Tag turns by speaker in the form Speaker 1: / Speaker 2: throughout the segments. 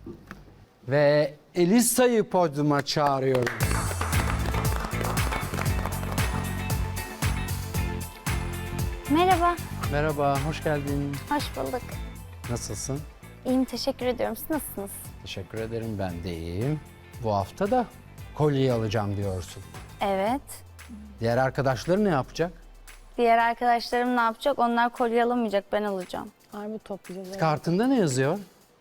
Speaker 1: Ve Elisa'yı podyuma çağırıyorum.
Speaker 2: Merhaba,
Speaker 1: Merhaba, hoş geldin.
Speaker 2: hoş bulduk.
Speaker 1: Nasılsın?
Speaker 2: İyiyim, teşekkür ediyorum. Siz nasılsınız?
Speaker 1: Teşekkür ederim, ben de iyiyim. Bu hafta da kolyeyi alacağım diyorsun.
Speaker 2: Evet.
Speaker 1: Diğer arkadaşları ne yapacak?
Speaker 2: Diğer arkadaşlarım ne yapacak? Onlar kolye alamayacak, ben alacağım.
Speaker 3: Harbi toplayacağız. Evet.
Speaker 1: Kartında ne yazıyor?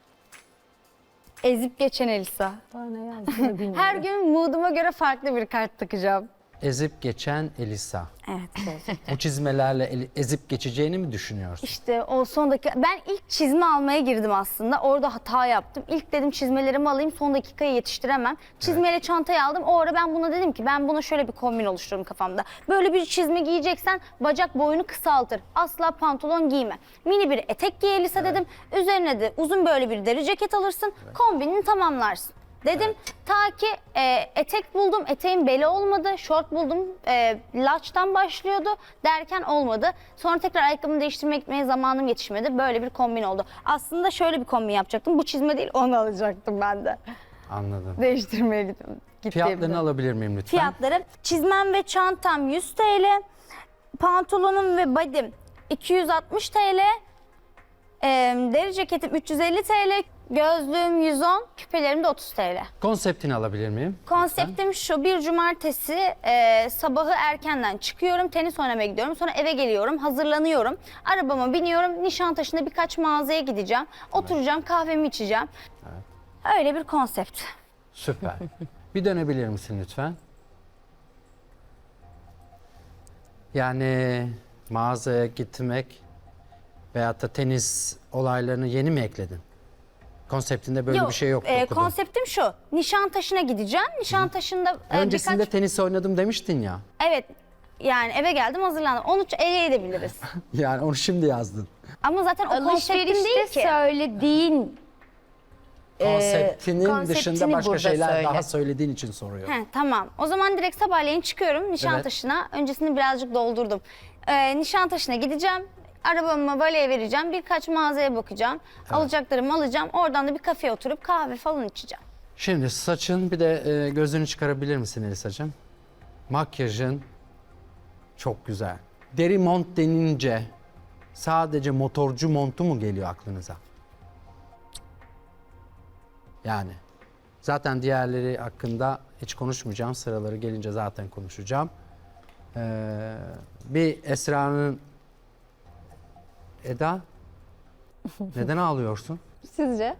Speaker 2: Ezip geçen Elisa.
Speaker 3: Daha ne yazdığını bilmiyorum.
Speaker 2: Her gün mooduma göre farklı bir kart takacağım.
Speaker 1: Ezip geçen Elisa.
Speaker 2: Evet.
Speaker 1: O çizmelerle ezip geçeceğini mi düşünüyorsun?
Speaker 2: İşte o son dakika, ben ilk çizme almaya girdim aslında. Orada hata yaptım. İlk dedim çizmelerimi alayım, son dakikaya yetiştiremem. Çizmeyle çantayı aldım. O ara ben buna dedim ki ben buna şöyle bir kombin oluştururum kafamda. Böyle bir çizme giyeceksen bacak boyunu kısaltır. Asla pantolon giyme. Mini bir etek giy Elisa dedim. Üzerine de uzun böyle bir deri ceket alırsın. Kombinini tamamlarsın. Dedim ta ki etek buldum, eteğin beli olmadı, şort buldum, laçtan başlıyordu derken olmadı. Sonra tekrar ayakkabımı değiştirmeye gitmeye zamanım yetişmedi, böyle bir kombin oldu. Aslında şöyle bir kombin yapacaktım, bu çizme değil onu alacaktım ben de.
Speaker 1: Anladım.
Speaker 2: Değiştirmeye gittim.
Speaker 1: Fiyatlarını alabilir miyim lütfen?
Speaker 2: Fiyatları, çizmem ve çantam 100 TL, pantolonum ve body'm 260 TL, deri ceketim 350 TL, gözlüğüm 110, küpelerim de 30 TL.
Speaker 1: Konseptini alabilir miyim?
Speaker 2: Konseptim şu: bir cumartesi sabahı erkenden çıkıyorum, tenis oynamaya gidiyorum, sonra eve geliyorum, hazırlanıyorum, arabama biniyorum, Nişantaşı'nda birkaç mağazaya gideceğim, oturacağım, kahvemi içeceğim. Öyle bir konsept.
Speaker 1: Süper. Bir dönebilir misin lütfen? Yani mağazaya gitmek veyahut da tenis olaylarını yeni mi ekledin? Konseptinde böyle bir şey yoktu okudum.
Speaker 2: Konseptim şu: Nişantaşı'na gideceğim, Nişantaşı'nda
Speaker 1: Öncesinde
Speaker 2: birkaç...
Speaker 1: tenis oynadım demiştin ya.
Speaker 2: Evet, yani eve geldim, hazırlandım, onu ele edebiliriz.
Speaker 1: Yani onu şimdi yazdın.
Speaker 2: Ama zaten o konseptim değil
Speaker 3: Alışverişte
Speaker 2: ki.
Speaker 3: söylediğin
Speaker 1: Konseptinin
Speaker 3: konseptini
Speaker 1: dışında başka
Speaker 3: burada
Speaker 1: şeyler
Speaker 3: söyle.
Speaker 1: daha söylediğin için soruyor.
Speaker 2: He, tamam. O zaman direkt sabahleyin çıkıyorum Nişantaşı'na. Öncesini birazcık doldurdum. Nişantaşı'na gideceğim. Arabamı valeye vereceğim. Birkaç mağazaya bakacağım. Alacaklarımı alacağım. Oradan da bir kafeye oturup kahve falan içeceğim.
Speaker 1: Şimdi saçın bir de gözünü çıkarabilir misin Elisacığım? Makyajın çok güzel. Deri mont denince sadece motorcu montu mu geliyor aklınıza? Yani zaten diğerleri hakkında hiç konuşmayacağım. Sıraları gelince zaten konuşacağım. Bir Esra'nın... Eda, neden ağlıyorsun?
Speaker 3: sizce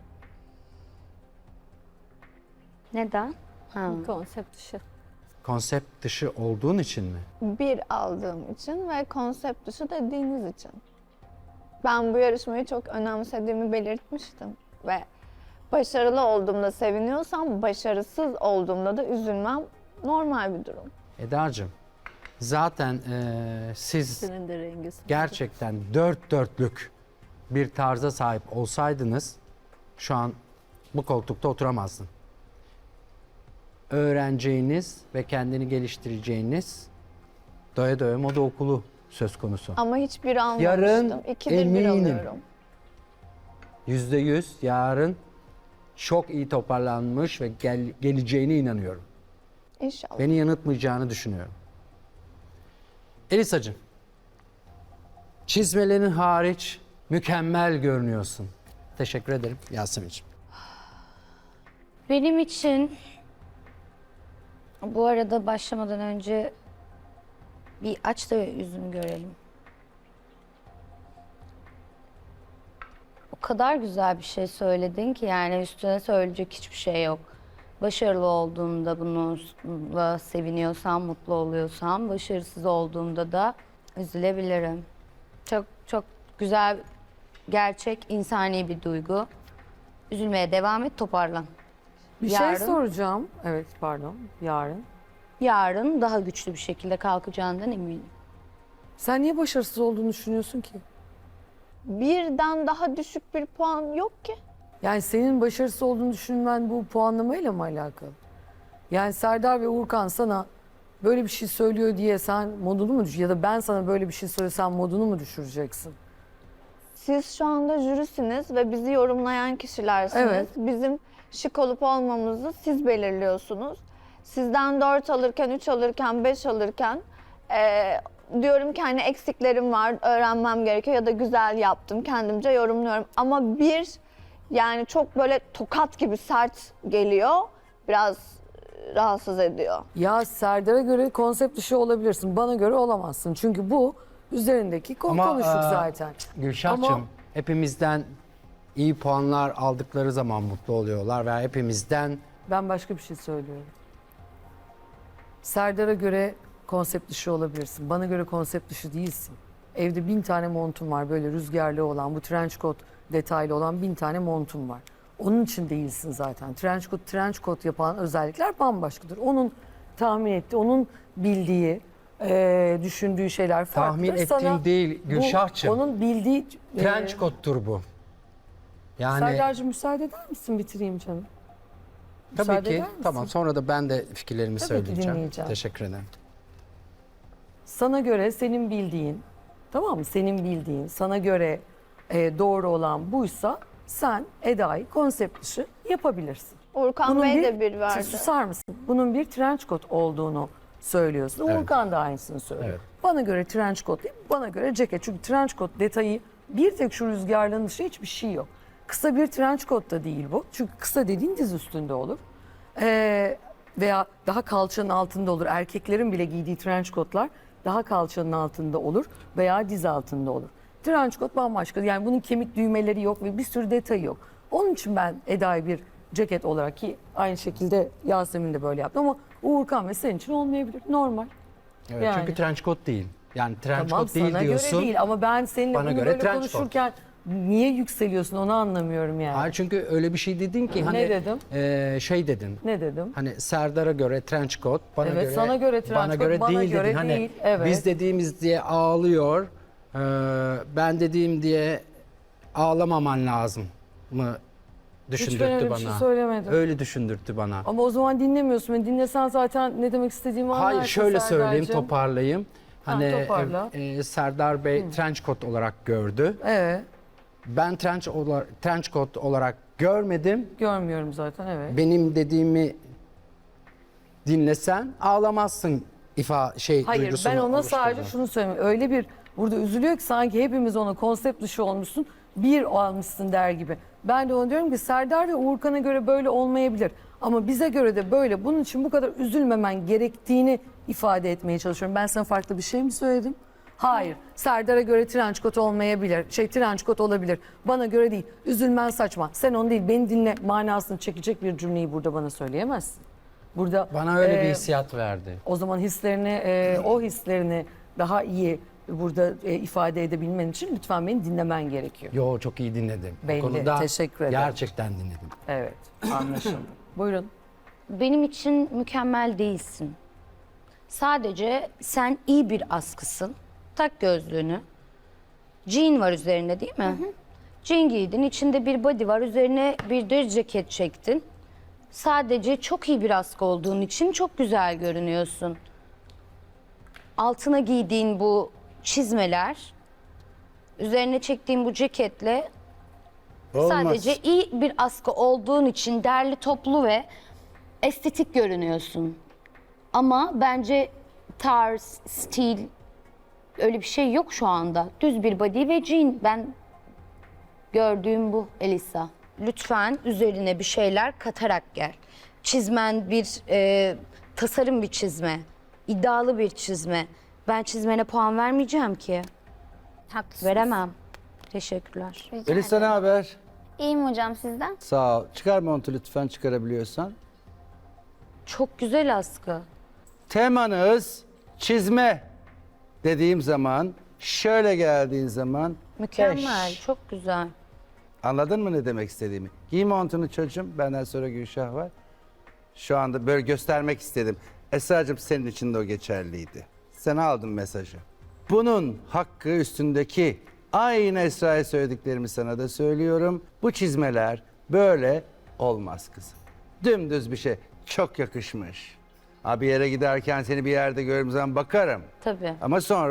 Speaker 2: Neden?
Speaker 3: konsept dışı.
Speaker 1: Konsept dışı olduğun için mi?
Speaker 4: Bir aldığım için ve konsept dışı dediğiniz için. Ben bu yarışmayı çok önemsediğimi belirtmiştim ve başarılı olduğumda seviniyorsam, başarısız olduğumda da üzülmem normal bir durum.
Speaker 1: Eda'cığım, zaten siz
Speaker 3: Senin de rengi.
Speaker 1: gerçekten dört dörtlük bir tarza sahip olsaydınız şu an bu koltukta oturamazdın. Öğreneceğiniz ve kendini geliştireceğiniz doya doya moda okulu söz konusu.
Speaker 4: Ama hiçbir almamıştım.
Speaker 1: Yarın
Speaker 4: İkidir bir
Speaker 1: eminim.
Speaker 4: alıyorum.
Speaker 1: %100 yarın çok iyi toparlanmış ve geleceğine inanıyorum.
Speaker 4: İnşallah.
Speaker 1: Beni yanıltmayacağını düşünüyorum. Elisacığım, çizmelerin hariç mükemmel görünüyorsun. Teşekkür ederim Yasemin'ciğim.
Speaker 5: Benim için bu arada başlamadan önce bir aç da yüzünü görelim. O kadar güzel bir şey söyledin ki yani üstüne söyleyecek hiçbir şey yok. Başarılı olduğunda bununla seviniyorsam, mutlu oluyorsam, başarısız olduğumda da üzülebilirim. Çok çok güzel, gerçek, insani bir duygu. Üzülmeye devam et, toparlan.
Speaker 3: Bir
Speaker 5: Yarın-
Speaker 3: şey soracağım. Evet pardon. Yarın.
Speaker 5: Yarın daha güçlü bir şekilde kalkacağından eminim.
Speaker 3: Sen niye başarısız olduğunu düşünüyorsun ki?
Speaker 4: Birden daha düşük bir puan yok ki.
Speaker 3: Yani senin başarısız olduğunu düşünmen bu puanlamayla mı alakalı? Yani Serdar ve Uğurkan sana böyle bir şey söylüyor diye sen modunu mu ya da ben sana böyle bir şey söylesem modunu mu düşüreceksin?
Speaker 4: siz şu anda jürisiniz ve bizi yorumlayan kişilersiniz.
Speaker 3: Evet.
Speaker 4: Bizim şık olup olmamızı siz belirliyorsunuz. Sizden 4 alırken, 3 alırken, 5 alırken diyorum ki hani eksiklerim var, öğrenmem gerekiyor ya da güzel yaptım, kendimce yorumluyorum. Ama bir yani çok böyle tokat gibi sert geliyor, biraz rahatsız ediyor.
Speaker 3: Ya Serdar'a göre konsept dışı olabilirsin. Bana göre olamazsın. Çünkü bu üzerindeki konuştuk zaten.
Speaker 1: Gülşah'cığım
Speaker 3: Ama-
Speaker 1: hepimizden iyi puanlar aldıkları zaman mutlu oluyorlar veya hepimizden
Speaker 3: Ben başka bir şey söylüyorum. Serdar'a göre konsept dışı olabilirsin. Bana göre konsept dışı değilsin. Evde 1000 tane montum var böyle rüzgarlı olan, bu trench coat detaylı olan 1000 tane montum var. Onun için değilsin zaten. Trench coat yapan özellikler bambaşkadır. Onun tahmin ettiği, onun bildiği, düşündüğü şeyler farklıdır.
Speaker 1: tahmin ettiğim değil
Speaker 3: bu,
Speaker 1: Gülşah'cığım.
Speaker 3: onun bildiği...
Speaker 1: Trench coat'tur bu. Yani
Speaker 3: Serdar'cığım müsaade eder misin bitireyim canım?
Speaker 1: tabii
Speaker 3: müsaade
Speaker 1: ki
Speaker 3: eder misin?
Speaker 1: tamam sonra da ben de fikirlerimi
Speaker 3: Tabii ki
Speaker 1: söyleyeceğim.
Speaker 3: dinleyeceğim.
Speaker 1: Teşekkür ederim.
Speaker 3: Sana göre senin bildiğin, tamam mı? Senin bildiğin, sana göre doğru olan buysa sen Eda'yı konsept dışı yapabilirsin.
Speaker 4: Urkan Bey de bir verdi.
Speaker 3: Susar mısın? Bunun bir trench coat olduğunu söylüyorsun.
Speaker 1: Evet.
Speaker 3: Urkan da aynısını söylüyor.
Speaker 1: Evet.
Speaker 3: Bana göre trench coat değil, bana göre ceket. Çünkü trench coat detayı bir tek şu rüzgarlığın dışı hiçbir şey yok. Kısa bir trench coat da değil bu. Çünkü kısa dediğin diz üstünde olur. Veya daha kalçanın altında olur. Erkeklerin bile giydiği trench coatlar daha kalçanın altında olur veya diz altında olur. Trench coat bambaşka. Yani bunun kemik düğmeleri yok ve bir sürü detayı yok. Onun için ben Eda'yı bir ceket olarak, ki aynı şekilde Yasemin de böyle yaptı ama Uğurkan ve senin için olmayabilir. Normal.
Speaker 1: Evet,
Speaker 3: Yani.
Speaker 1: çünkü trench coat değil. Yani trench
Speaker 3: Tamam
Speaker 1: coat değil
Speaker 3: sana
Speaker 1: diyorsun.
Speaker 3: göre değil ama ben seninle
Speaker 1: Bana
Speaker 3: bunu
Speaker 1: göre
Speaker 3: böyle
Speaker 1: trench coat.
Speaker 3: konuşurken niye yükseliyorsun onu anlamıyorum yani.
Speaker 1: Hayır çünkü öyle bir şey dedin ki hani
Speaker 3: Ne dedim?
Speaker 1: Şey dedin.
Speaker 3: Ne dedim?
Speaker 1: Hani Serdar'a göre trench coat, bana
Speaker 3: Evet,
Speaker 1: göre
Speaker 3: sana göre trench
Speaker 1: bana
Speaker 3: coat,
Speaker 1: göre
Speaker 3: bana
Speaker 1: değil
Speaker 3: göre
Speaker 1: dedin. Hani
Speaker 3: değil, evet.
Speaker 1: biz dediğimiz diye ağlıyor. Ben dediğim diye ağlamaman lazım mı
Speaker 3: Hiç ben
Speaker 1: düşündürttü
Speaker 3: öyle bir
Speaker 1: bana.
Speaker 3: şey söylemedim.
Speaker 1: Öyle düşündürttü bana.
Speaker 3: Ama o zaman dinlemiyorsun beni. Dinlesen zaten ne demek istediğimi anlarsın.
Speaker 1: Hayır şöyle söyleyeyim,
Speaker 3: Serdar'cığım.
Speaker 1: toparlayayım. Hani
Speaker 3: toparla.
Speaker 1: Serdar Bey trench coat olarak gördü.
Speaker 3: Evet.
Speaker 1: Ben trench coat olarak görmedim.
Speaker 3: Görmüyorum zaten evet.
Speaker 1: Benim dediğimi dinlesen ağlamazsın
Speaker 3: Hayır
Speaker 1: duygusunu
Speaker 3: ben ona sadece
Speaker 1: oluşturdu.
Speaker 3: şunu söyleyeyim. Öyle bir burada üzülüyor ki sanki hepimiz ona konsept dışı olmuşsun. Bir almışsın der gibi. Ben de ona diyorum ki Serdar ve Uğurkan'a göre böyle olmayabilir. Ama bize göre de böyle. Bunun için bu kadar üzülmemen gerektiğini ifade etmeye çalışıyorum. Ben sana farklı bir şey mi söyledim? Hayır. Serdar'a göre trench coat olmayabilir. Trench coat olabilir. Bana göre değil. Üzülmen saçma. Sen onu değil beni dinle manasını çekecek bir cümleyi burada bana söyleyemezsin. Burada
Speaker 1: Bana öyle bir hissiyat verdi.
Speaker 3: o zaman hislerini, o hislerini daha iyi burada ifade edebilmen için lütfen beni dinlemen gerekiyor.
Speaker 1: Yo çok iyi dinledim. Bu
Speaker 3: Belli,
Speaker 1: konuda
Speaker 3: teşekkür ederim.
Speaker 1: gerçekten dinledim.
Speaker 3: Evet, anlaşıldı. Buyurun.
Speaker 5: Benim için mükemmel değilsin. Sadece sen iyi bir askısın. Tak gözlüğünü. Jean var üzerinde değil mi? Jean giydin. İçinde bir body var. Üzerine bir de ceket çektin. Sadece çok iyi bir askı olduğun için çok güzel görünüyorsun. Altına giydiğin bu çizmeler, üzerine çektiğin bu ceketle sadece iyi bir askı olduğun için derli toplu ve estetik görünüyorsun. Ama bence tarz, stil öyle bir şey yok şu anda. Düz bir body ve jean. Ben gördüğüm bu Elisa. Lütfen üzerine bir şeyler katarak gel. Çizmen bir tasarım bir çizme. İddialı bir çizme. Ben çizmene puan vermeyeceğim ki.
Speaker 2: Haklısınız.
Speaker 5: Veremem. Teşekkürler.
Speaker 2: Rica
Speaker 6: Elisa ne
Speaker 2: ederim.
Speaker 6: haber?
Speaker 2: İyiyim hocam sizden.
Speaker 6: Sağ ol. Çıkar montu lütfen çıkarabiliyorsan.
Speaker 5: Çok güzel askı.
Speaker 6: Temanız çizme dediğim zaman şöyle geldiğin zaman
Speaker 5: Mükemmel.
Speaker 6: beş.
Speaker 5: Çok güzel.
Speaker 6: Anladın mı ne demek istediğimi? Giy montunu çocuğum. Benden sonra Gülşah var. Şu anda böyle göstermek istedim. Esra'cığım senin için de o geçerliydi. Sen aldın mesajı. Bunun hakkı üstündeki aynı Esra'ya söylediklerimi sana da söylüyorum. Bu çizmeler böyle olmaz kızım. Dümdüz bir şey. Çok yakışmış. Ha, bir yere giderken seni bir yerde gördüğüm zaman bakarım.
Speaker 5: Tabii.
Speaker 6: Ama sonra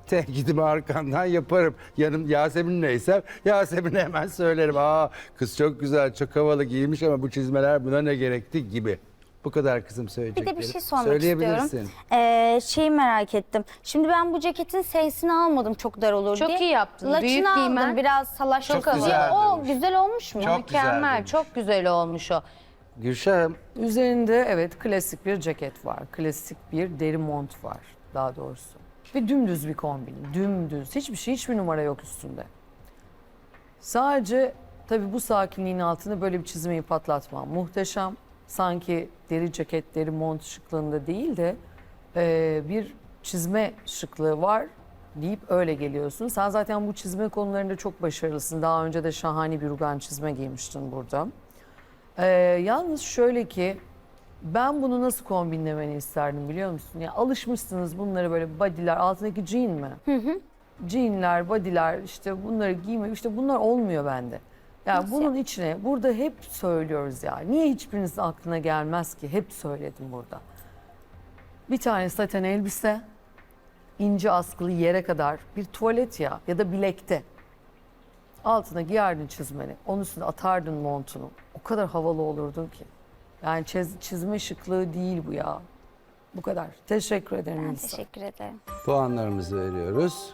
Speaker 6: Tenkidimi arkandan yaparım. Yanım Yasemin neysem Yasemin'e hemen söylerim. Aa kız çok güzel, çok havalı giymiş ama bu çizmeler buna ne gerekti gibi. Bu kadar kızım
Speaker 2: Bir
Speaker 6: söyleyeceklerim.
Speaker 2: de bir şey sormak
Speaker 6: Söyleyebilirsin.
Speaker 2: istiyorum. Şeyi merak ettim. Şimdi ben bu ceketin sesini almadım çok dar olur
Speaker 5: Çok
Speaker 2: diye.
Speaker 5: iyi yaptın.
Speaker 2: Laçını
Speaker 5: Büyük
Speaker 2: aldım
Speaker 5: giymen
Speaker 2: biraz salaş.
Speaker 6: Çok güzel
Speaker 2: O
Speaker 6: durmuş.
Speaker 2: güzel olmuş mu?
Speaker 6: Çok güzel
Speaker 5: Mükemmel,
Speaker 6: demiş.
Speaker 5: çok güzel olmuş o.
Speaker 6: Gülşah'ım
Speaker 3: Üzerinde evet klasik bir ceket var. Klasik bir deri mont var daha doğrusu. Ve dümdüz bir kombin. Dümdüz. Hiçbir numara yok üstünde. Sadece tabii bu sakinliğin altında böyle bir çizmeyi patlatmam muhteşem. Sanki deri ceket, deri mont şıklığında değil de bir çizme şıklığı var deyip öyle geliyorsun. Sen zaten bu çizme konularında çok başarılısın. Daha önce de şahane bir rugan çizme giymiştin burada. Yalnız şöyle ki ben bunu nasıl kombinlemeni isterdim biliyor musun? Ya alışmışsınız bunları böyle body'ler, altındaki jean mi? Jeanler, body'ler işte bunları giyme işte bunlar olmuyor bende. Yani bunun içine burada hep söylüyoruz ya. Niye hiçbirinizin aklına gelmez ki? Hep söyledim burada. Bir tane saten elbise, ince askılı yere kadar bir tuvalet ya da bilekte. Altına giyerdin çizmeni, onun üstüne atardın montunu. O kadar havalı olurdun ki. Yani çizme şıklığı değil bu ya. Bu kadar. Teşekkür ederim
Speaker 2: Ben
Speaker 3: Melisa.
Speaker 2: teşekkür ederim.
Speaker 6: puanlarımızı veriyoruz.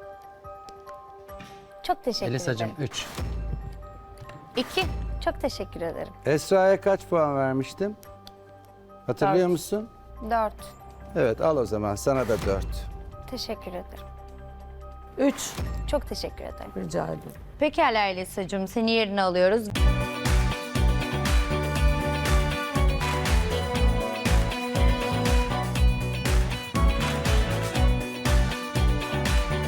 Speaker 2: Çok teşekkür
Speaker 1: Elisacığım
Speaker 2: ederim.
Speaker 1: 3.
Speaker 5: 2.
Speaker 2: Çok teşekkür ederim.
Speaker 6: Esra'ya kaç puan vermiştim? Hatırlıyor
Speaker 3: Dört.
Speaker 6: musun?
Speaker 2: 4.
Speaker 6: Evet al o zaman sana da 4.
Speaker 2: Teşekkür ederim.
Speaker 3: 3.
Speaker 2: Çok teşekkür ederim.
Speaker 3: Rica ederim.
Speaker 5: Pekala Elisa'cığım, seni yerine alıyoruz.